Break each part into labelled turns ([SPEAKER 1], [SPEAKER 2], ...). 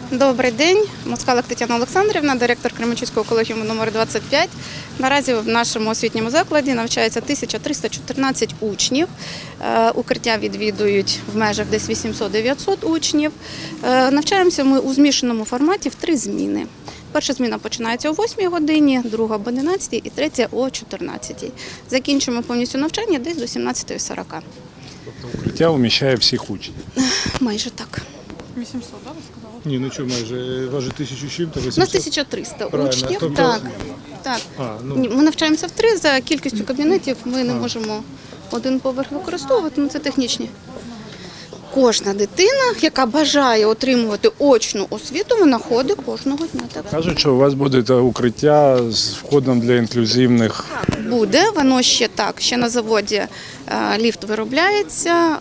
[SPEAKER 1] Добрий день, Москалик Тетяна Олександрівна, директор Кременчуцького колегіуму номер 25. Наразі в нашому освітньому закладі навчається 1314 учнів. Укриття відвідують в межах десь 800-900 учнів. Навчаємося ми у змішаному форматі в 3 зміни. Перша зміна починається о 8 годині, друга об 11 і третя о 14. Закінчуємо повністю навчання десь до 17:40.
[SPEAKER 2] Тобто укриття вміщає всіх учнів?
[SPEAKER 1] Майже так.
[SPEAKER 3] 800, так, ви сказали?
[SPEAKER 2] Ні, ну що, майже, важить 1000 чим-то, 800?
[SPEAKER 1] У нас 1300
[SPEAKER 2] Правильно,
[SPEAKER 1] учнів.
[SPEAKER 2] тобто-
[SPEAKER 1] Так.
[SPEAKER 2] ну.
[SPEAKER 1] Ні, ми навчаємося в 3, за кількістю кабінетів ми не можемо один поверх використовувати, це технічні. Кожна дитина, яка бажає отримувати очну освіту, вона ходить кожного дня. Так.
[SPEAKER 2] Кажуть, що у вас буде укриття з входом для інклюзивних.
[SPEAKER 1] Буде, воно ще на заводі ліфт виробляється,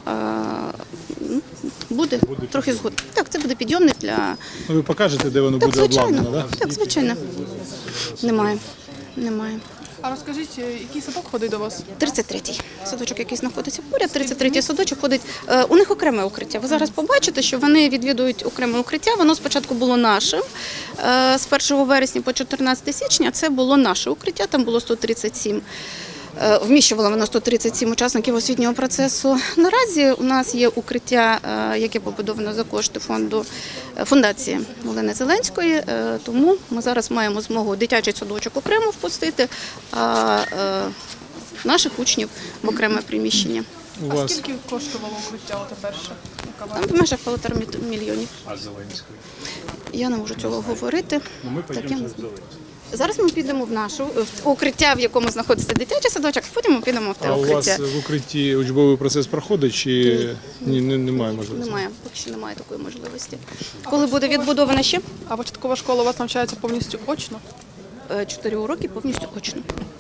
[SPEAKER 1] буде трохи згодом. Так, це буде підйомник для...
[SPEAKER 2] Ну, ви покажете, де воно
[SPEAKER 1] Так,
[SPEAKER 2] буде обладнано, так?
[SPEAKER 1] Так, звичайно. Немає.
[SPEAKER 3] А розкажіть, який садок ходить до вас?
[SPEAKER 1] 33-й садочок, який знаходиться поряд, 33-й садочок ходить. У них окреме укриття. Ви зараз побачите, що вони відвідують окреме укриття. Воно спочатку було нашим. З 1 вересня по 14 січня це було наше укриття, там було 137. Вміщувало воно 137 учасників освітнього процесу. Наразі у нас є укриття, яке побудовано за кошти фундації Олени Зеленської, тому ми зараз маємо змогу дитячий садочок окремо впустити, а наших учнів в окреме приміщення.
[SPEAKER 3] А скільки коштувало укриття оте перше?
[SPEAKER 1] Там в межах 1,5 мільйонів.
[SPEAKER 2] А Зеленської?
[SPEAKER 1] Я не можу цього говорити.
[SPEAKER 2] Ну, ми
[SPEAKER 1] Так,
[SPEAKER 2] підемо з Зеленською.
[SPEAKER 1] Зараз ми підемо в укриття, в якому знаходиться дитячий садочок, а потім ми підемо в те
[SPEAKER 2] А у
[SPEAKER 1] укриття.
[SPEAKER 2] вас в укритті учбовий процес проходить чи немає можливості?
[SPEAKER 1] Немає, поки що немає такої можливості. Коли буде відбудована ще
[SPEAKER 3] А початкова школа у вас навчається повністю очно?
[SPEAKER 1] 4 уроки повністю очно.